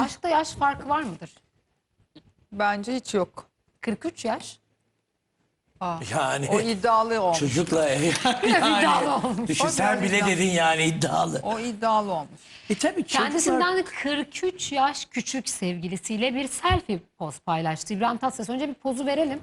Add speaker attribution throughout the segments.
Speaker 1: Aşkta yaş farkı var mıdır?
Speaker 2: Bence hiç yok.
Speaker 1: 43 yaş.
Speaker 3: Yani
Speaker 2: O iddialı olmuş.
Speaker 3: çocukla
Speaker 1: iddialı olmuş.
Speaker 3: düşün,
Speaker 2: O
Speaker 3: sen
Speaker 2: biraz
Speaker 3: bile
Speaker 2: iddialı.
Speaker 3: dedin yani iddialı.
Speaker 2: O iddialı olmuş.
Speaker 3: Tabii
Speaker 1: Kendisinden 43 yaş küçük sevgilisiyle bir selfie poz paylaştı. İbrahim Tatlıses, önce bir pozu verelim.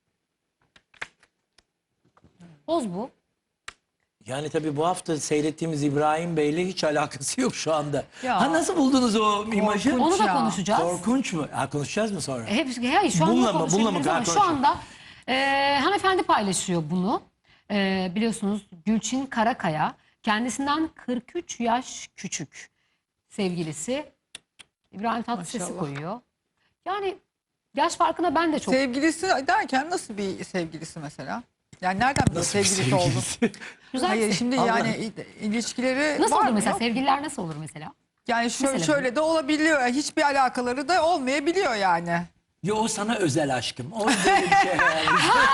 Speaker 1: Poz bu.
Speaker 3: Yani tabii bu hafta seyrettiğimiz İbrahim Bey'le hiç alakası yok şu anda.
Speaker 2: Ya.
Speaker 3: Ha, nasıl buldunuz o imajı?
Speaker 2: Korkunç.
Speaker 1: Onu da
Speaker 2: ya.
Speaker 1: konuşacağız.
Speaker 3: Korkunç mu? Ha, konuşacağız mı sonra?
Speaker 1: Hayır, şu anda
Speaker 3: Bununla mı
Speaker 1: konuşabiliriz ama
Speaker 3: konuşalım?
Speaker 1: şu anda hanımefendi paylaşıyor bunu. Biliyorsunuz Gülçin Karakaya kendisinden 43 yaş küçük sevgilisi İbrahim Tatlıses'i
Speaker 2: Maşallah.
Speaker 1: koyuyor. Yani yaş farkına ben de çok...
Speaker 2: Sevgilisi derken nasıl bir sevgilisi mesela? Yani nereden biliyor
Speaker 3: Nasıl bir
Speaker 2: sevgilisi oldu?
Speaker 1: Güzel
Speaker 2: Hayır
Speaker 1: bir-
Speaker 2: şimdi
Speaker 3: Allah.
Speaker 2: yani ilişkileri
Speaker 1: Nasıl
Speaker 2: var
Speaker 1: olur
Speaker 2: mı?
Speaker 1: mesela?
Speaker 2: Yok.
Speaker 1: Sevgililer nasıl olur mesela?
Speaker 2: Yani şöyle,
Speaker 1: Mesela.
Speaker 2: şöyle de olabiliyor. Hiçbir alakaları da olmayabiliyor yani.
Speaker 3: Yo, o sana özel aşkım. O böyle bir şey yani.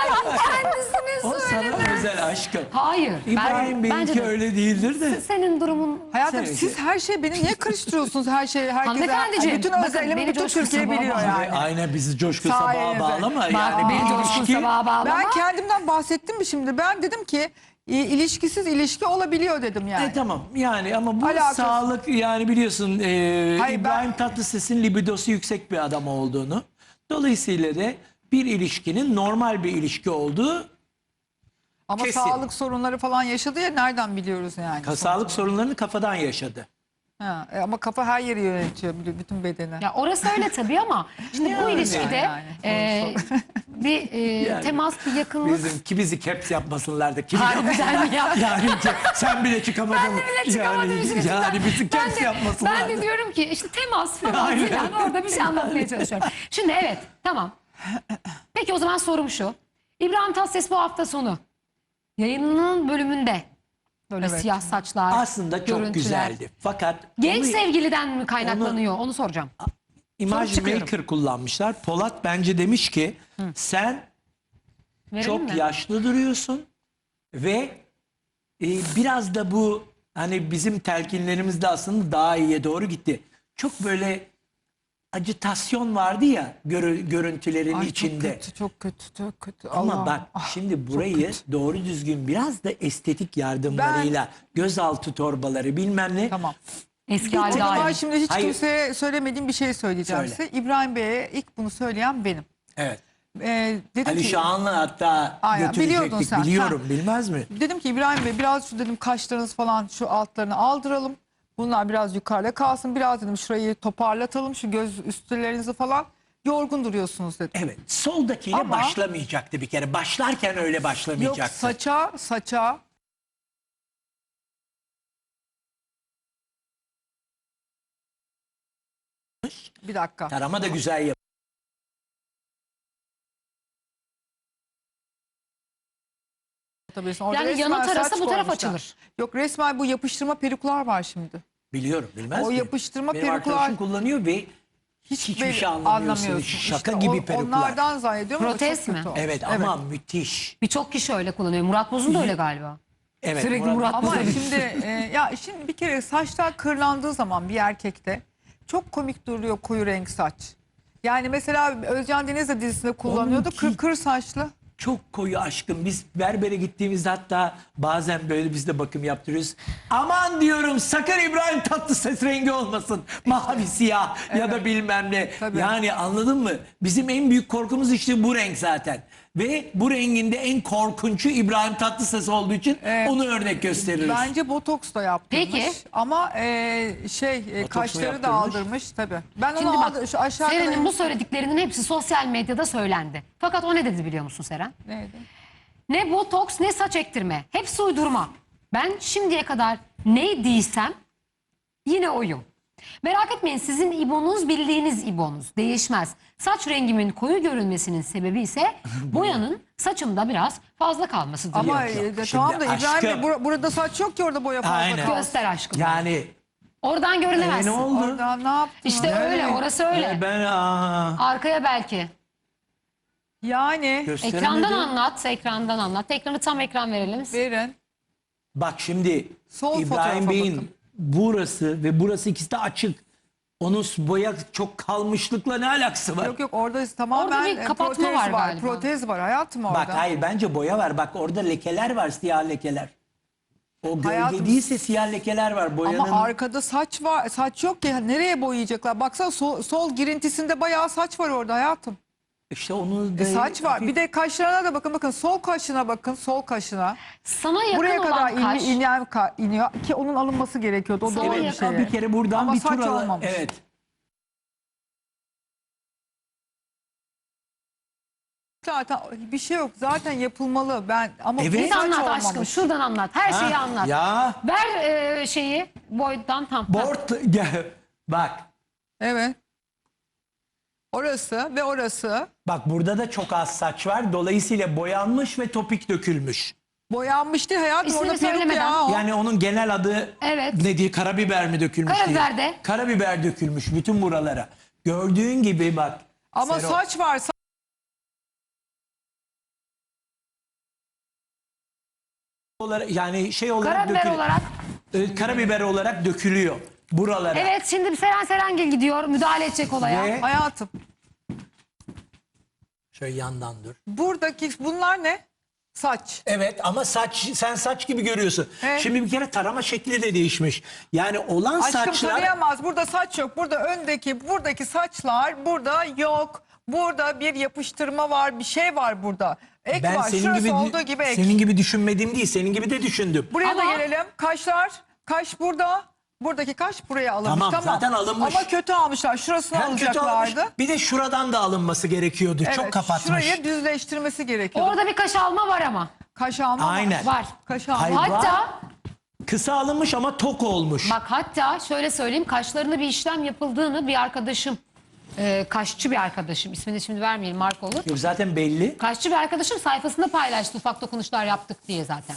Speaker 3: O sana özel aşkım.
Speaker 1: Hayır.
Speaker 3: İbrahim
Speaker 1: bence
Speaker 3: Bey'inki
Speaker 1: de
Speaker 3: öyle değildir de.
Speaker 1: senin durumun...
Speaker 2: Hayatım
Speaker 3: Sevgili.
Speaker 2: siz her şeyi beni niye karıştırıyorsunuz her şeyi herkese?
Speaker 1: Hanımefendiciğim,
Speaker 2: Bütün
Speaker 1: bakın,
Speaker 2: özelimi
Speaker 1: beni
Speaker 2: bütün
Speaker 1: coşku
Speaker 2: Türkiye
Speaker 1: sabaha
Speaker 2: biliyor
Speaker 1: bağlıyor.
Speaker 2: yani.
Speaker 3: Aynen, bizi coşku sabaha
Speaker 2: Sayenizde.
Speaker 3: bağlama.
Speaker 1: Bak,
Speaker 3: Yani
Speaker 1: beni
Speaker 3: bir
Speaker 1: coşkun
Speaker 3: ilişki.
Speaker 1: sabaha bağlama.
Speaker 2: Ben kendimden bahsettim mi şimdi? Ben dedim ki ilişkisiz ilişki olabiliyor dedim yani.
Speaker 3: Tamam yani, ama bu
Speaker 2: Alakası-
Speaker 3: sağlık yani, biliyorsun
Speaker 2: Hayır,
Speaker 3: İbrahim Tatlıses'in libidosu yüksek bir adam olduğunu. Dolayısıyla da bir ilişkinin normal bir ilişki olduğu,
Speaker 2: Ama
Speaker 3: kesin.
Speaker 2: sağlık sorunları falan yaşadı ya, nereden biliyoruz yani?
Speaker 3: sağlık sorunlarını kafadan yaşadı.
Speaker 2: Ha, ama kafa her yeri yönetiyor, bütün bedeni.
Speaker 1: Ya orası öyle tabii ama şimdi bu ilişkide
Speaker 2: yani,
Speaker 1: bir
Speaker 3: Yani
Speaker 1: temas, bir yakınlık...
Speaker 3: bizi caps yapmasınlar da kim
Speaker 1: Harbiden mi ya?
Speaker 3: yani sen bile çıkamadın.
Speaker 1: Ben de bile çıkamadım işin içinden.
Speaker 3: Yani bizi
Speaker 1: Ben
Speaker 3: caps
Speaker 1: de-
Speaker 3: yapmasınlar.
Speaker 1: Ben de diyorum ki işte temas falan
Speaker 3: Aynen.
Speaker 1: filan, orada bir şey anlatmaya çalışıyorum. Şimdi evet, tamam. Peki o zaman sorum şu. İbrahim Tatlıses bu hafta sonu yayınının bölümünde böyle
Speaker 2: Evet.
Speaker 1: siyah saçlar,
Speaker 3: Aslında çok
Speaker 1: görüntüler.
Speaker 3: güzeldi. Fakat
Speaker 1: Genç
Speaker 3: onu
Speaker 1: sevgiliden mi kaynaklanıyor? Onu soracağım.
Speaker 3: imaj
Speaker 1: çıkıyorum.
Speaker 3: maker kullanmışlar. Polat bence demiş ki sen
Speaker 1: Verelim
Speaker 3: çok
Speaker 1: mi?
Speaker 3: yaşlı duruyorsun ve biraz da bu hani bizim telkinlerimiz de aslında daha iyiye doğru gitti. Çok böyle acitasyon vardı ya görüntülerin
Speaker 2: Ay,
Speaker 3: içinde.
Speaker 2: çok kötü, çok kötü.
Speaker 3: Ama
Speaker 2: Allah'ım.
Speaker 3: bak
Speaker 2: Ah,
Speaker 3: şimdi
Speaker 2: çok
Speaker 3: burayı
Speaker 2: kötü.
Speaker 3: doğru düzgün biraz da estetik yardımlarıyla, gözaltı torbaları bilmem ne.
Speaker 2: Tamam.
Speaker 1: Eski
Speaker 2: O
Speaker 1: halde
Speaker 2: zaman
Speaker 1: aynı.
Speaker 2: şimdi hiç
Speaker 3: Hayır.
Speaker 2: kimseye söylemediğim bir şey söyleyeceğim
Speaker 3: Söyle.
Speaker 2: size. İbrahim Bey'e ilk bunu söyleyen benim.
Speaker 3: Evet.
Speaker 2: Dedim
Speaker 3: Ali
Speaker 2: ki,
Speaker 3: Şahan'la hatta
Speaker 2: Aynen, biliyordun
Speaker 3: götürecektik.
Speaker 2: sen.
Speaker 3: Biliyorum, bilmez mi?
Speaker 2: dedim ki İbrahim Bey biraz şu dedim kaşlarınız falan şu altlarını aldıralım. Bunlar biraz yukarıda kalsın. Biraz dedim şurayı toparlatalım. Şu göz üstlerinizi falan. Yorgun duruyorsunuz dedim.
Speaker 3: Evet. Soldakiyle
Speaker 2: Ama-
Speaker 3: başlamayacaktı bir kere. Başlarken öyle
Speaker 2: Yok,
Speaker 3: başlamayacaktı.
Speaker 2: saça bir dakika.
Speaker 3: Tarama da güzel yap.
Speaker 2: Tabii, orada
Speaker 1: Yani
Speaker 2: resmen
Speaker 1: yana tarasa
Speaker 2: saç
Speaker 1: bu taraf
Speaker 2: koymuşlar.
Speaker 1: açılır.
Speaker 2: Yok, resmen bu yapıştırma peruklar var şimdi.
Speaker 3: Biliyorum, bilmez
Speaker 2: O
Speaker 3: mi?
Speaker 2: yapıştırma
Speaker 3: Benim
Speaker 2: peruklar-
Speaker 3: arkadaşım kullanıyor ve hiçbir
Speaker 2: belli-
Speaker 3: şey anlamıyorsun.
Speaker 2: anlamıyorsun.
Speaker 3: Şaka
Speaker 2: İşte
Speaker 3: gibi peruklar.
Speaker 2: Onlardan zannediyorum ama
Speaker 1: Protez
Speaker 2: çok
Speaker 1: mi?
Speaker 2: kötü olmuş.
Speaker 3: Evet, ama müthiş.
Speaker 1: Birçok kişi öyle kullanıyor. Murat Boz'un da öyle galiba.
Speaker 3: Evet,
Speaker 1: Sürekli Murat
Speaker 2: Ama
Speaker 1: Boz'un.
Speaker 2: şimdi şimdi bir kere saçlar kırlandığı zaman bir erkekte çok komik duruyor koyu renk saç. Yani mesela Özcan Deniz de dizisinde kullanıyordu.
Speaker 3: Onunki-
Speaker 2: Kır saçlı.
Speaker 3: Çok koyu aşkım. Biz berbere gittiğimizde hatta bazen böyle biz de bakım yaptırıyoruz. Aman diyorum, sakın İbrahim Tatlıses rengi olmasın. Mavi, siyah ya da bilmem ne.
Speaker 2: Tabii.
Speaker 3: Yani anladın mı? Bizim en büyük korkumuz işte bu renk zaten. Ve bu renginde en korkunçu İbrahim Tatlıses olduğu için onu örnek gösteririz.
Speaker 2: Bence botoks da yaptırmış.
Speaker 1: Peki.
Speaker 2: Ama
Speaker 3: mu
Speaker 2: kaşları da
Speaker 3: yaptırmış?
Speaker 2: aldırmış tabii. Ben
Speaker 1: Şimdi
Speaker 2: onu
Speaker 1: bak,
Speaker 2: şu aşağıda
Speaker 1: Seren'in bu söylediklerinin hepsi sosyal medyada söylendi. Fakat o ne dedi biliyor musun Seren?
Speaker 2: neydi?
Speaker 1: Ne botoks ne saç ektirme. Hepsi uydurma. Ben şimdiye kadar neydiysem yine oyum. Merak etmeyin, sizin İbo'nuz bildiğiniz İbo'nuz değişmez. Saç rengimin koyu görünmesinin sebebi ise boyanın saçımda biraz fazla kalmasıdır.
Speaker 2: Ama
Speaker 3: Yok, yok.
Speaker 2: tamam da
Speaker 3: Şimdi
Speaker 2: İbrahim Bey
Speaker 3: aşkım-
Speaker 2: burada saç yok ki orada boya fazla
Speaker 3: Aynen.
Speaker 2: kalsın.
Speaker 1: Göster aşkım.
Speaker 3: Yani
Speaker 1: Oradan görünemezsin.
Speaker 3: ne oldu?
Speaker 2: Orada ne yaptın?
Speaker 1: İşte öyle, orası öyle.
Speaker 3: Ben
Speaker 1: Arkaya belki.
Speaker 2: Yani
Speaker 3: gösteremedim.
Speaker 1: Ekrandan anlat, ekrandan anlat. Ekranı tam ekran verelim.
Speaker 2: verin.
Speaker 3: Bak şimdi
Speaker 2: Sol
Speaker 3: İbrahim
Speaker 2: fotoğrafa
Speaker 3: Bey'in
Speaker 2: bakın.
Speaker 3: burası ve burası ikisi de açık. Onun boya çok kalmışlıkla ne alakası var?
Speaker 2: Yok orada tamamen
Speaker 1: Orada bir kapatma
Speaker 2: protez
Speaker 1: var
Speaker 2: var.
Speaker 1: galiba.
Speaker 2: Protez var hayatım orada.
Speaker 3: Bak hayır, bence boya var. Bak orada lekeler var, siyah lekeler. O gölge
Speaker 2: Hayatım-
Speaker 3: değilse siyah lekeler var boyanın.
Speaker 2: Ama arkada saç var. Saç yok ki. Nereye boyayacaklar? Baksana sol girintisinde bayağı saç var orada hayatım.
Speaker 3: İşte onu da
Speaker 2: Saç var. Bir de kaşlarına da bakın. Bakın sol kaşına bakın. Sol kaşına.
Speaker 1: Sana yakın
Speaker 2: Buraya kadar
Speaker 1: olan kaş.
Speaker 2: iniyor ki onun alınması gerekiyordu. O
Speaker 1: Sana
Speaker 2: doğru bir
Speaker 1: yakın.
Speaker 2: şey.
Speaker 3: bir kere buradan
Speaker 2: Ama
Speaker 3: bir
Speaker 2: saç
Speaker 3: tur al.
Speaker 2: olmamış.
Speaker 3: Evet.
Speaker 2: Zaten bir şey yok. Zaten yapılmalı. Ama
Speaker 3: Evet.
Speaker 2: bu
Speaker 1: Bir
Speaker 2: saç
Speaker 1: anlat
Speaker 2: olmamış.
Speaker 1: aşkım. Şuradan anlat. Her şeyi
Speaker 3: Ha,
Speaker 1: anlat.
Speaker 3: Ya
Speaker 1: Ver şeyi boydan tam.
Speaker 3: board gel. Bak.
Speaker 2: Evet. Orası ve orası
Speaker 3: Bak burada da çok az saç var. Dolayısıyla boyanmış ve topik dökülmüş.
Speaker 2: boyanmış değil hayatım.
Speaker 1: İsmini
Speaker 2: Orada peruk
Speaker 1: söylemeden.
Speaker 2: ya o.
Speaker 3: Yani onun genel adı
Speaker 1: Evet.
Speaker 3: ne diye, karabiber mi dökülmüş
Speaker 1: Karabiber
Speaker 3: diye.
Speaker 1: de.
Speaker 3: Karabiber dökülmüş bütün buralara. Gördüğün gibi bak.
Speaker 2: Ama
Speaker 3: Sero,
Speaker 2: saç var.
Speaker 3: yani şey olarak
Speaker 1: Karabiber
Speaker 3: dökülüyor.
Speaker 1: olarak.
Speaker 3: Karabiber olarak dökülüyor buralara.
Speaker 1: Evet, şimdi Seren Serengil gidiyor. Müdahale edecek olaya.
Speaker 3: Ve
Speaker 2: Hayatım.
Speaker 3: şöyle yandan dur.
Speaker 2: Buradaki bunlar ne? Saç.
Speaker 3: Evet ama sen saç gibi görüyorsun.
Speaker 2: Evet.
Speaker 3: Şimdi bir kere tarama şekli de değişmiş. Yani olan
Speaker 2: Aşkım
Speaker 3: saçlar
Speaker 2: tarayamaz. Burada saç yok. Buradaki saçlar burada yok. Burada bir yapıştırma var. Bir şey var burada. Ek
Speaker 3: ben
Speaker 2: var.
Speaker 3: senin
Speaker 2: Şurası
Speaker 3: gibi
Speaker 2: olduğu gibi ek.
Speaker 3: senin gibi düşünmediğim değil, senin gibi de düşündüm.
Speaker 2: Buraya da
Speaker 1: Ama-
Speaker 2: gelelim. Kaşlar. Kaş burada. Buradaki kaş buraya alınmış.
Speaker 3: Tamam, zaten alınmış.
Speaker 2: Ama kötü almışlar. Şurasını
Speaker 3: Hem kötü almış,
Speaker 2: alacaklardı.
Speaker 3: bir de şuradan da alınması gerekiyordu. Çok
Speaker 2: Evet,
Speaker 3: kapatmış.
Speaker 2: şurayı düzleştirmesi gerekiyor.
Speaker 1: Orada bir kaş alma var ama.
Speaker 2: Kaş alma
Speaker 3: Aynen.
Speaker 1: Var.
Speaker 2: Kaş alma.
Speaker 3: Hayır,
Speaker 1: Hatta
Speaker 3: Kısa alınmış ama tok olmuş.
Speaker 1: bak, hatta şöyle söyleyeyim, kaşlarında bir işlem yapıldığını bir arkadaşım, kaşçı bir arkadaşım, ismini şimdi vermeyelim, marka olur.
Speaker 3: Yok, zaten belli.
Speaker 1: Kaşçı bir arkadaşım sayfasında paylaştı, ufak dokunuşlar yaptık diye zaten.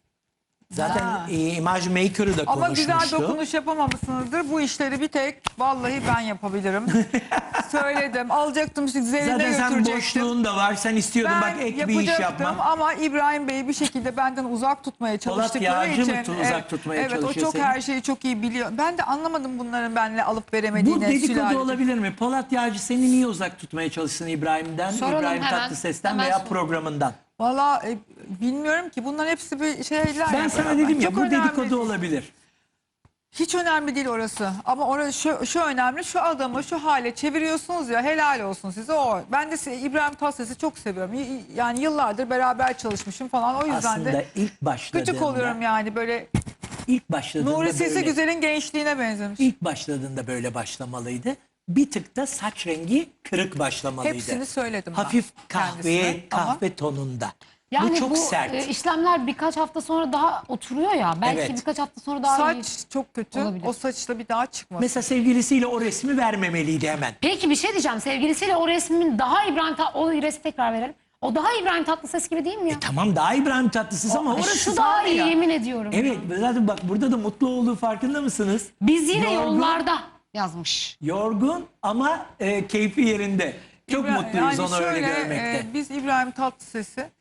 Speaker 3: Zaten
Speaker 2: Ha.
Speaker 3: Image Maker'ı da
Speaker 2: Ama
Speaker 3: konuşmuştu.
Speaker 2: güzel dokunuş yapamamışsınızdır. Bu işleri bir tek vallahi ben yapabilirim. Söyledim. Alacaktım Zerrin'e
Speaker 3: Zaten sen
Speaker 2: götürecektim.
Speaker 3: boşluğun da var. Sen istiyordun
Speaker 2: Ben
Speaker 3: bak ek bir iş
Speaker 2: yapacaktım
Speaker 3: yapmam.
Speaker 2: ama İbrahim Bey'i bir şekilde benden uzak tutmaya çalıştıkları
Speaker 3: Yağcı mı
Speaker 2: için.
Speaker 3: uzak tutmaya
Speaker 2: evet,
Speaker 3: çalışıyor
Speaker 2: o çok
Speaker 3: seni?
Speaker 2: her şeyi çok iyi biliyor. Ben de anlamadım bunların benimle alıp
Speaker 3: Bu
Speaker 2: veremediğini.
Speaker 3: dedikodu
Speaker 2: sülaleci.
Speaker 3: olabilir mi? Polat Yağcı seni niye uzak tutmaya çalışsın İbrahim'den,
Speaker 1: Soralım
Speaker 3: İbrahim
Speaker 1: hemen.
Speaker 3: Tatlıses'ten
Speaker 1: Hemen
Speaker 3: veya
Speaker 1: soralım.
Speaker 3: programından?
Speaker 2: Valla bilmiyorum ki bunların hepsi bir şeyler.
Speaker 3: Ben
Speaker 2: yani.
Speaker 3: sana dedim ya,
Speaker 2: Çok
Speaker 3: bu
Speaker 2: önemli.
Speaker 3: dedikodu olabilir.
Speaker 2: Hiç önemli değil orası. Ama orası şu önemli. Şu adamı şu hale çeviriyorsunuz ya, helal olsun size o. Ben de İbrahim Tatlıses'i çok seviyorum. Yani yıllardır beraber çalışmışım falan. O yüzden
Speaker 3: Aslında
Speaker 2: de
Speaker 3: ilk başladığında,
Speaker 2: gıcık oluyorum yani böyle.
Speaker 3: ilk başladığında
Speaker 2: Nuri Sesi
Speaker 3: böyle,
Speaker 2: Güzel'in gençliğine benzemiş.
Speaker 3: ilk başladığında böyle başlamalıydı. Bir tık da saç rengi kırık başlamalıydı.
Speaker 2: Hepsini söyledim ben
Speaker 3: Hafif
Speaker 2: kendisine ama-
Speaker 3: kahve tonunda.
Speaker 1: Yani
Speaker 3: bu çok sert.
Speaker 1: işlemler birkaç hafta sonra daha oturuyor ya. Belki
Speaker 3: Evet.
Speaker 1: birkaç hafta sonra daha iyi.
Speaker 2: Saç çok kötü.
Speaker 1: Olabilir.
Speaker 2: O saçla bir daha çıkmaz.
Speaker 3: Mesela sevgilisiyle o resmi vermemeliydi hemen.
Speaker 1: Peki bir şey diyeceğim. Sevgilisiyle o resmin daha o resmi tekrar verelim. O daha İbrahim Tatlıses gibi değil mi ya?
Speaker 3: Tamam, daha İbrahim Tatlıses ama orası
Speaker 1: Şu daha
Speaker 3: sahne
Speaker 1: iyi,
Speaker 3: ya.
Speaker 1: yemin ediyorum.
Speaker 3: Evet, zaten bak burada da mutlu olduğu farkında mısınız?
Speaker 1: Biz yine
Speaker 3: Yorgun.
Speaker 1: yollarda yazmış.
Speaker 3: Yorgun ama keyfi yerinde. Çok mutluyuz onu öyle görmekte.
Speaker 2: Biz İbrahim Tatlıses'i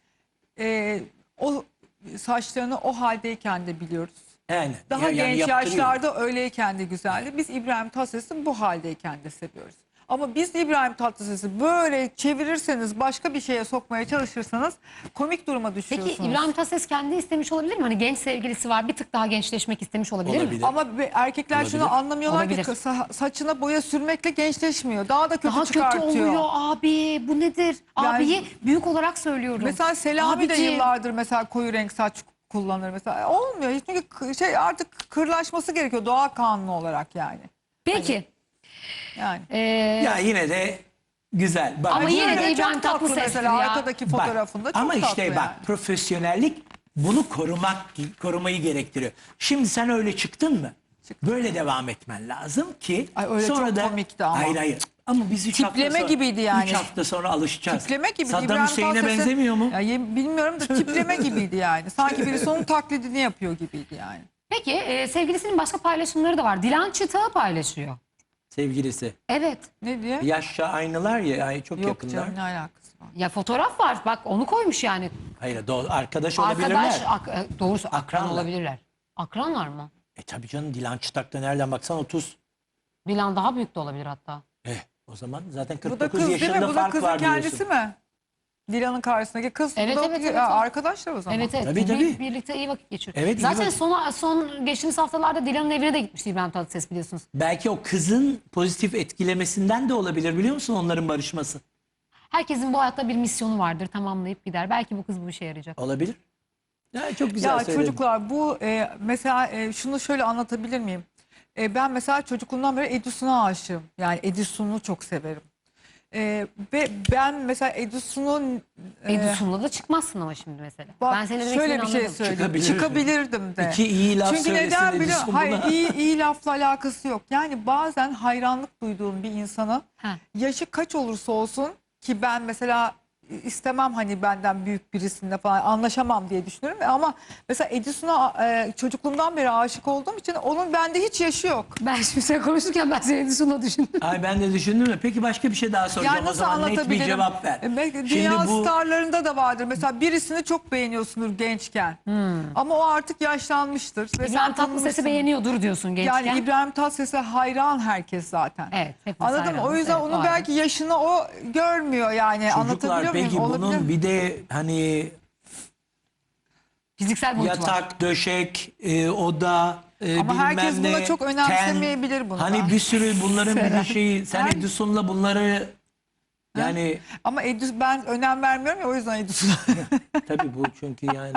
Speaker 2: o saçlarını o haldeyken de biliyoruz.
Speaker 3: Yani,
Speaker 2: Daha genç
Speaker 3: yaptırıyor.
Speaker 2: yaşlarda öyleyken de güzeldi. Biz İbrahim Tatlıses'i bu haldeyken de seviyoruz. Ama biz İbrahim Tatlıses'i böyle çevirirseniz, başka bir şeye sokmaya çalışırsanız komik duruma düşüyorsunuz.
Speaker 1: Peki İbrahim Tatlıses kendi istemiş olabilir mi? Hani genç sevgilisi var, bir tık daha gençleşmek istemiş olabilir mi?
Speaker 3: Olabilir.
Speaker 2: Ama erkekler
Speaker 3: Olabilir.
Speaker 2: şunu anlamıyorlar
Speaker 1: Olabilir.
Speaker 2: ki saçına boya sürmekle gençleşmiyor. Daha da kötü
Speaker 1: Daha kötü
Speaker 2: çıkartıyor.
Speaker 1: oluyor abi. Bu nedir?
Speaker 2: Yani-
Speaker 1: Abiyi büyük olarak söylüyorum.
Speaker 2: Mesela Selami de
Speaker 1: Abiciğim.
Speaker 2: yıllardır mesela koyu renk saç kullanır mesela. Olmuyor. Çünkü artık kırlaşması gerekiyor doğal kanunu olarak yani.
Speaker 1: Peki.
Speaker 2: Yani.
Speaker 3: Ya yine de güzel. Bak,
Speaker 1: Ama yine
Speaker 2: Şöyle
Speaker 1: de
Speaker 2: çok
Speaker 1: İbrahim
Speaker 2: tatlı
Speaker 1: Tatlıses'tir
Speaker 2: mesela
Speaker 1: ya.
Speaker 2: arkadaki
Speaker 3: bak,
Speaker 2: fotoğrafında çok
Speaker 3: ama
Speaker 2: tatlı
Speaker 3: işte
Speaker 2: yani.
Speaker 3: bak, profesyonellik bunu korumayı gerektiriyor. Şimdi sen öyle çıktın mı? Böyle devam etmen lazım ki
Speaker 2: Ay, öyle
Speaker 3: sonra
Speaker 2: çok
Speaker 3: da
Speaker 2: komikti ama.
Speaker 3: Hayır. Ama biz 3 hafta
Speaker 2: Tipleme
Speaker 3: sonra,
Speaker 2: gibiydi yani.
Speaker 3: 3 hafta sonra alışacağız.
Speaker 2: Tipleme gibi.
Speaker 3: Saddam
Speaker 2: İbrahim
Speaker 3: Hüseyin'e
Speaker 2: Tatlıses'in-
Speaker 3: benzemiyor mu?
Speaker 2: Ya, bilmiyorum da tipleme gibiydi yani. Sanki birisi onun taklidini yapıyor gibiydi yani.
Speaker 1: Peki sevgilisinin başka paylaşımları da var. Dilan Çıtak'ı paylaşıyor.
Speaker 3: Sevgilisi.
Speaker 1: Evet.
Speaker 2: Ne diye?
Speaker 3: Yaşça aynılar ya, ay çok
Speaker 2: Yok
Speaker 3: yakınlar.
Speaker 2: canım ne alakası var?
Speaker 1: Ya fotoğraf var. Bak onu koymuş yani.
Speaker 3: Hayır, arkadaş olabilirler.
Speaker 1: Arkadaş, doğrusu akran
Speaker 3: Akranlar.
Speaker 1: olabilirler. Akranlar mı?
Speaker 3: Tabii canım, Dilan Çıtak'ta nereden baksan 30.
Speaker 1: Dilan daha büyük de olabilir hatta.
Speaker 3: O zaman zaten
Speaker 2: Bu da
Speaker 3: 49
Speaker 2: kız değil mi?
Speaker 3: yaşında
Speaker 2: Bu da
Speaker 3: fark
Speaker 2: kızın
Speaker 3: var
Speaker 2: kendisi
Speaker 3: diyorsun.
Speaker 2: mi? Dilan'ın karşısındaki kız.
Speaker 1: Evet,
Speaker 2: Bu da
Speaker 1: evet, evet,
Speaker 2: Ya,
Speaker 1: evet.
Speaker 2: arkadaşlar o zaman.
Speaker 1: Evet evet.
Speaker 3: Tabii, tabii.
Speaker 1: Birlikte iyi vakit geçiriyor.
Speaker 3: Evet, iyi
Speaker 1: Zaten
Speaker 3: vakit.
Speaker 1: son geçtiğimiz haftalarda Dilan'ın evine de gitmişti İbrahim Tatlıses biliyorsunuz.
Speaker 3: Belki o kızın pozitif etkilemesinden de olabilir biliyor musun onların barışması?
Speaker 1: Herkesin bu hayatta bir misyonu vardır, tamamlayıp gider. Belki bu kız bu işe yarayacak.
Speaker 3: Olabilir. Ya çok güzel
Speaker 2: Ya
Speaker 3: söyledin.
Speaker 2: çocuklar bu mesela şunu şöyle anlatabilir miyim? Ben mesela çocukluğumdan beri Edison'a aşığım. Yani Edison'u çok severim. Ve ben mesela Edison'un
Speaker 1: Edison'la da çıkmazsın ama şimdi mesela.
Speaker 2: bak,
Speaker 1: Ben senin demek
Speaker 2: şöyle bir
Speaker 1: istediğini
Speaker 2: şey
Speaker 1: anladım.
Speaker 2: söyleyeyim. Çıkabilirdim de.
Speaker 3: İki iyi laf
Speaker 2: Çünkü
Speaker 3: söylesin
Speaker 2: neden biliyor
Speaker 3: Edison
Speaker 2: musun? Hayır,
Speaker 3: buna.
Speaker 2: iyi lafla alakası yok. Yani bazen hayranlık duyduğum bir insana
Speaker 1: Ha.
Speaker 2: yaşı kaç olursa olsun ki ben mesela istemem hani benden büyük birisinde falan anlaşamam diye düşünüyorum. Ama mesela Edison'a çocukluğumdan beri aşık olduğum için onun bende hiç yaşı yok.
Speaker 1: Ben şimdi sen konuşurken ben seni Edison'la düşündüm.
Speaker 3: Ay ben de düşündüm de peki başka bir şey daha soracağım
Speaker 2: Yani
Speaker 3: o
Speaker 2: nasıl
Speaker 3: zaman net bir
Speaker 2: anlatabilirim?
Speaker 3: cevap ver.
Speaker 2: Dünya
Speaker 3: Şimdi bu
Speaker 2: starlarında da vardır. Mesela birisini çok beğeniyorsundur gençken. Ama o artık yaşlanmıştır. Ve
Speaker 1: İbrahim
Speaker 2: sen
Speaker 1: Tatlıses'i
Speaker 2: tanımışsın.
Speaker 1: beğeniyordur diyorsun gençken.
Speaker 2: Yani İbrahim Tatlıses'e hayran herkes zaten.
Speaker 1: Evet. hepimiz
Speaker 2: Anladın mı? O
Speaker 1: hayranız,
Speaker 2: yüzden
Speaker 1: evet,
Speaker 2: onun
Speaker 1: o ayrı.
Speaker 2: belki yaşını o görmüyor yani.
Speaker 3: çocuklar
Speaker 2: Anlatabiliyor
Speaker 3: peki
Speaker 2: muyum? Olabilir
Speaker 3: bunun
Speaker 2: mi?
Speaker 3: bir de hani
Speaker 1: Fiziksel boyutu var.
Speaker 3: yatak, döşek, oda,
Speaker 2: Ama
Speaker 3: bilmem
Speaker 2: herkes
Speaker 3: ne,
Speaker 2: buna çok önemsemeyebilir bunu da.
Speaker 3: Hani bir sürü bunların bir de şeyi sen
Speaker 2: Her-
Speaker 3: Edison'la bunları yani
Speaker 2: Ama ben önem vermiyorum ya o yüzden Edison'a.
Speaker 3: tabii bu çünkü yani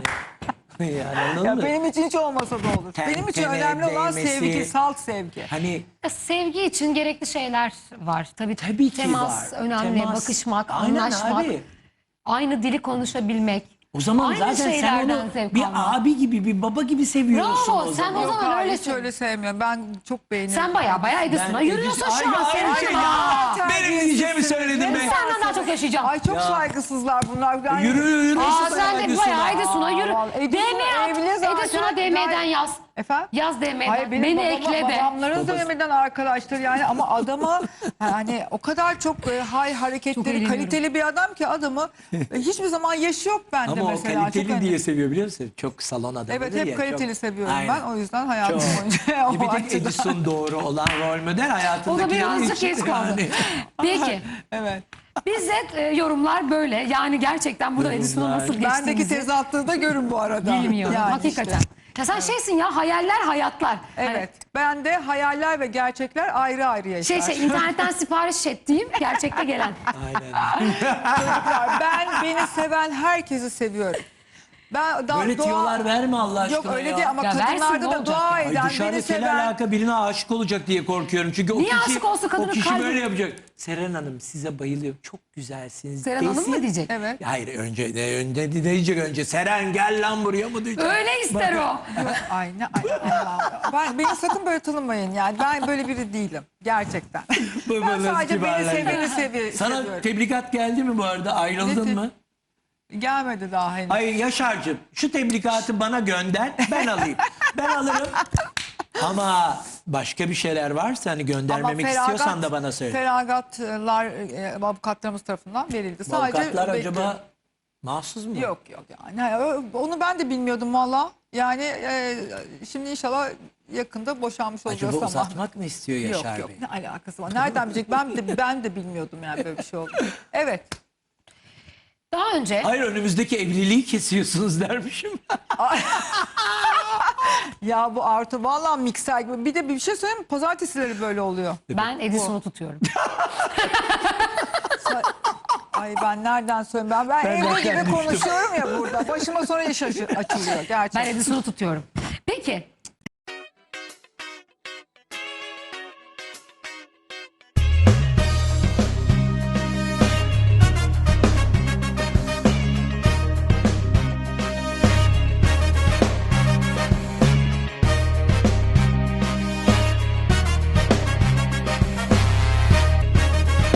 Speaker 3: anladın
Speaker 2: Ya
Speaker 3: mı?
Speaker 2: benim için hiç olmasa da olur. Benim için
Speaker 3: Tene
Speaker 2: önemli olan
Speaker 3: değmesi.
Speaker 2: sevgi, salt sevgi.
Speaker 3: Hani
Speaker 1: Sevgi için gerekli şeyler var. Tabii
Speaker 3: tabii ki
Speaker 1: temas
Speaker 3: var.
Speaker 1: önemli.
Speaker 3: Temas.
Speaker 1: Bakışmak,
Speaker 3: Aynen
Speaker 1: anlaşmak.
Speaker 3: abi.
Speaker 1: Aynı dili konuşabilmek.
Speaker 3: O zaman
Speaker 1: Aynı
Speaker 3: zaten sen
Speaker 1: şeylerden
Speaker 3: onu
Speaker 1: zevk
Speaker 3: bir
Speaker 1: almak.
Speaker 3: abi gibi bir baba gibi seviyorsun
Speaker 1: Bravo,
Speaker 3: o
Speaker 1: sen
Speaker 3: zaman.
Speaker 1: o zaman
Speaker 2: Yok,
Speaker 1: öyle
Speaker 2: hiç öyle sevmiyorum. Ben çok beğeniyorum.
Speaker 1: Sen baya Edison'a
Speaker 3: Ben
Speaker 1: yürüyorsun
Speaker 3: Edison-
Speaker 1: şu an.
Speaker 3: Ay,
Speaker 1: Senin
Speaker 3: ay, şey
Speaker 1: hanım.
Speaker 3: ya. Benim diyeceğimi söyledim be.
Speaker 1: Senden daha çok yaşayacağım.
Speaker 2: Ay çok saygısızlar bunlar. Yani,
Speaker 3: Yürü.
Speaker 1: Aa
Speaker 3: Edison'a,
Speaker 1: sen de
Speaker 3: Edison'a.
Speaker 1: bayağı Edison'a yürü.
Speaker 2: vallahi Edison
Speaker 1: DM
Speaker 2: evli
Speaker 1: at.
Speaker 2: zaten.
Speaker 1: Edison'a DM'den yaz.
Speaker 2: Efendim?
Speaker 1: Yaz DM'den.
Speaker 2: Hayır benim
Speaker 1: Beni ekle de.
Speaker 2: babamların döneminde arkadaşlar yani ama adama hani o kadar çok hareketleri
Speaker 1: eğleniyorum.
Speaker 2: kaliteli bir adam ki adamı hiçbir zaman yaşı yok bende
Speaker 3: Ama o
Speaker 2: mesela.
Speaker 3: kaliteli
Speaker 2: çok
Speaker 3: diye seviyor biliyor musun? Çok salon adamı.
Speaker 2: Evet hep kaliteli seviyorum
Speaker 3: Aynen.
Speaker 2: ben o yüzden hayatım
Speaker 3: Çok.
Speaker 2: boyunca o
Speaker 3: Bir tek
Speaker 2: açıdan.
Speaker 3: Edison doğru olan rol model
Speaker 1: O
Speaker 3: hayatındaki.
Speaker 1: da birazcık geç kaldı. Peki.
Speaker 2: Evet.
Speaker 1: Bize yorumlar böyle. Yani gerçekten burada Edison'a
Speaker 3: Yorumlar.
Speaker 1: nasıl
Speaker 2: Bendeki
Speaker 1: geçtiğimizi
Speaker 2: tezatlığı da görün bu arada.
Speaker 1: bilmiyorum.
Speaker 2: Yani
Speaker 1: Hakikaten.
Speaker 2: işte.
Speaker 1: Ya sen şeysin ya hayaller hayatlar.
Speaker 2: Evet. Ben de hayaller ve gerçekler ayrı ayrı yaşar.
Speaker 1: Şey internetten sipariş ettiğim gerçekte gelen.
Speaker 3: Aynen.
Speaker 2: Çocuklar, beni seven herkesi seviyorum. Ben
Speaker 3: Böyle tiyolar verme Allah aşkına
Speaker 2: Yok öyle
Speaker 3: ya.
Speaker 2: değil ama
Speaker 1: Ya versin,
Speaker 2: kadınlarda
Speaker 1: ne
Speaker 2: da
Speaker 1: olacak
Speaker 2: dua
Speaker 1: ya?
Speaker 3: Ay
Speaker 2: eden, beni
Speaker 3: dışarıdakiyle
Speaker 2: seven.
Speaker 3: alaka birine aşık olacak diye korkuyorum. Çünkü
Speaker 1: Niye
Speaker 3: o kişi,
Speaker 1: aşık olsun kadının
Speaker 3: o kişi
Speaker 1: kalbi?
Speaker 3: böyle yapacak. Seren Hanım size bayılıyorum. Çok güzelsiniz.
Speaker 1: Seren Hanım mı diyecek?
Speaker 2: Evet.
Speaker 3: Hayır önce diyecek önce. Seren gel lan buraya mı diyecek?
Speaker 1: Öyle ister o.
Speaker 2: Yok, ay Allah. Beni sakın böyle tanımayın yani. Ben böyle biri değilim. Gerçekten. Ben
Speaker 3: Babanız
Speaker 2: sadece beni
Speaker 3: kibarlar.
Speaker 2: seveni
Speaker 3: Sana
Speaker 2: seviyorum.
Speaker 3: tebligat geldi mi bu arada? Ayrıldın
Speaker 2: Ne te-
Speaker 3: mı?
Speaker 2: Gelmedi daha henüz.
Speaker 3: Hayır Yaşar'cığım şu teblikatı bana gönder ben alayım. Ben alırım. Ama başka bir şeyler varsa hani göndermemek istiyorsan da bana söyle.
Speaker 2: Feragatlar avukatlarımız tarafından verildi.
Speaker 3: Avukatlar
Speaker 2: bekliyorum.
Speaker 3: acaba mahsus mu?
Speaker 2: Yok yani. Onu ben de bilmiyordum valla. Yani şimdi inşallah yakında boşanmış olacağız
Speaker 3: Acaba
Speaker 2: ama.
Speaker 3: uzatmak mı istiyor Yaşar
Speaker 2: Yok
Speaker 3: Bey?
Speaker 2: ne alakası var? Nereden bilecek? Ben de bilmiyordum yani böyle bir şey oldu. Evet.
Speaker 1: Daha önce
Speaker 3: Hayır önümüzdeki evliliği kesiyorsunuz dermişim.
Speaker 2: Ya bu Artu valla mikser gibi. Bir de bir şey söyleyeyim mi? Pazartesileri böyle oluyor.
Speaker 1: ben Edison'u tutuyorum.
Speaker 2: Ay ben nereden söyleyeyim? Ben evde
Speaker 3: nereden
Speaker 2: gibi
Speaker 3: düştüm?
Speaker 2: konuşuyorum ya burada. Başıma sonra iş açılıyor
Speaker 1: Ben
Speaker 2: gerçekten.
Speaker 1: Edison'u tutuyorum. Peki